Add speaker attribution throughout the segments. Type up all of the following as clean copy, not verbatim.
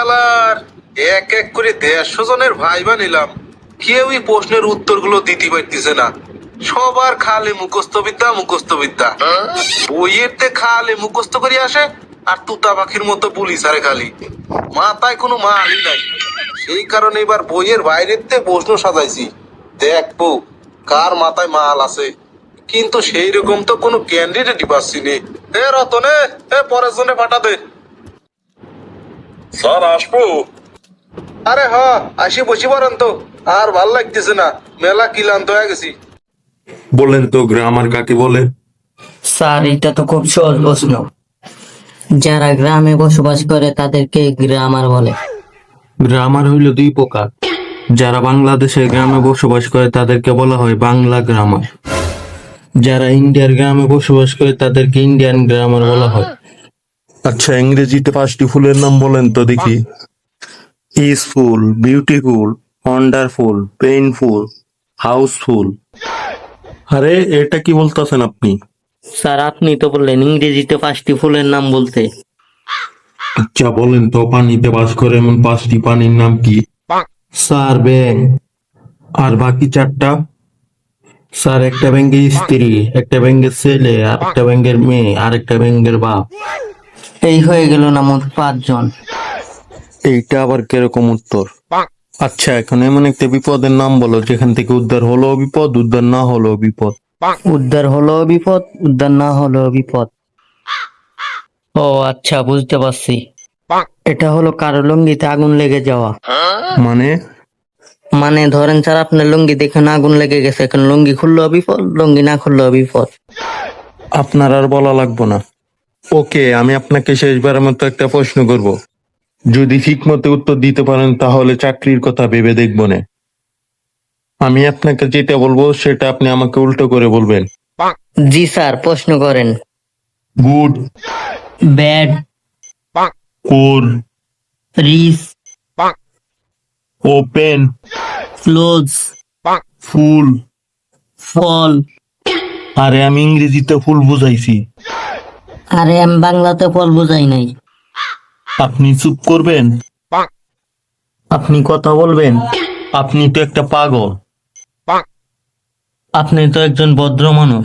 Speaker 1: শালার এক এক করে 150 জনের ভাইবা নিলাম, কেউই প্রশ্নের উত্তরগুলো দিতে পারতেছে না। সবার খালি মুখস্থ বিদ্যা মুখস্থ বিদ্যা, বইয়ের তে খালি মুখস্থ করে আসে আর তুতা পাখির মতো পুলিশ আরে খালি মাথায় কোনো মালই নাই। সেই কারণে এবার বইয়ের বাইরের তে প্রশ্ন সাজাইছি, দেখবো কার মাথায় মাল আছে। কিন্তু সেই রকম তো কোনো ক্যান্ডিডেটই পাচ্ছি নি। এ রতনে, এ পরের জনে পাঠা দে।
Speaker 2: স্যার আসবো?
Speaker 1: আরে হ, আসি বসি পারেন তো, আর ভাল লাগতেছে না, মেলা ক্লান্ত হয়ে গেছি।
Speaker 2: বলেন তো গ্রামার কাকে বলে?
Speaker 3: স্যার এটা তো খুব সহজ প্রশ্ন। যারা গ্রামে বসবাস করে তাদেরকে গ্রামার বলে।
Speaker 4: গ্রামার হইল দুই প্রকার। যারা বাংলাদেশের গ্রামে বসবাস করে তাদেরকে বলা হয় বাংলা গ্রামার। যারা ইন্ডিয়ার গ্রামে বসবাস করে তাদেরকে ইন্ডিয়ান গ্রামার বলা হয়।
Speaker 2: আচ্ছা, ইংরেজিতে 5টি ফুলের নাম বলেন তো দেখি।
Speaker 4: Peaceful, beautiful, wonderful, painful, houseful.
Speaker 2: আরে এটা কি বলতেছেন আপনি?
Speaker 3: স্যার আপনি তো বললেন ইংরেজিতে 5টি ফুলের নাম বলতে।
Speaker 2: আচ্ছা বলেন তো পানিতে বাস করে এমন 5টি পানির নাম কি?
Speaker 4: স্যার ব্যাঙ।
Speaker 2: আর বাকি 4টা?
Speaker 4: স্যার একটা ব্যাঙের স্ত্রী, একটা ব্যাঙের ছেলে, আর একটা ব্যাঙের মেয়ে, আর একটা ব্যাঙের বাপ।
Speaker 3: এই হয়ে গেল না মোট 5 জন।
Speaker 4: এইটা আবার কিরকম উত্তর? আচ্ছা এখন এমন একটা বিপদের নাম বলো যেখান থেকে উদ্ধার হলো বিপদ, উদ্ধার না হলো বিপদ।
Speaker 3: উদ্ধার হলো বিপদ, উদ্ধার না হলো বিপদ। ও আচ্ছা, বুঝতে পারছি। এটা হলো কারো লুঙ্গিতে আগুন লেগে যাওয়া।
Speaker 4: মানে?
Speaker 3: মানে ধরেন স্যার আপনার লুঙ্গি দেখে না আগুন লেগে গেছে, এখন লুঙ্গি খুললেও বিপদ, লুঙ্গি না খুললেও বিপদ।
Speaker 4: আপনার আর বলা লাগবো না।
Speaker 2: ওকে, আমি আপনাকে শেষবারের মতো একটা প্রশ্ন করব। যদি ঠিক মতো উত্তর দিতে পারেন তাহলে চাকরির কথা ভেবে দেখবো না। আমি আপনাকে যেটা বলবো সেটা আপনি আমাকে উল্টো করে বলবেন।
Speaker 3: জি স্যার, প্রশ্ন করেন।
Speaker 2: গুড,
Speaker 3: ব্যাড,
Speaker 2: কোর,
Speaker 3: রিস,
Speaker 2: ওপেন,
Speaker 3: ক্লোজ,
Speaker 2: ফুল।
Speaker 3: ফল।
Speaker 2: আরে আমি ইংরেজিতে ফুল বুঝাইছি।
Speaker 3: আরে আমি বাংলাতে ফল বুঝাই নাই।
Speaker 2: আপনি চুপ করবেন?
Speaker 4: আপনি কথা বলবেন?
Speaker 2: আপনি তো একটা পাগল।
Speaker 4: আপনি তো একজন ভদ্র মানুষ।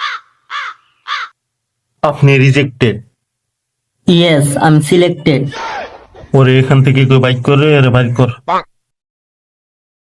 Speaker 2: আপনি রিজেক্টেড।
Speaker 3: ইয়েস, আমি সিলেক্টেড।
Speaker 2: ওরে এখান থেকে কেউ বাইক করে, আরে বাইক কর।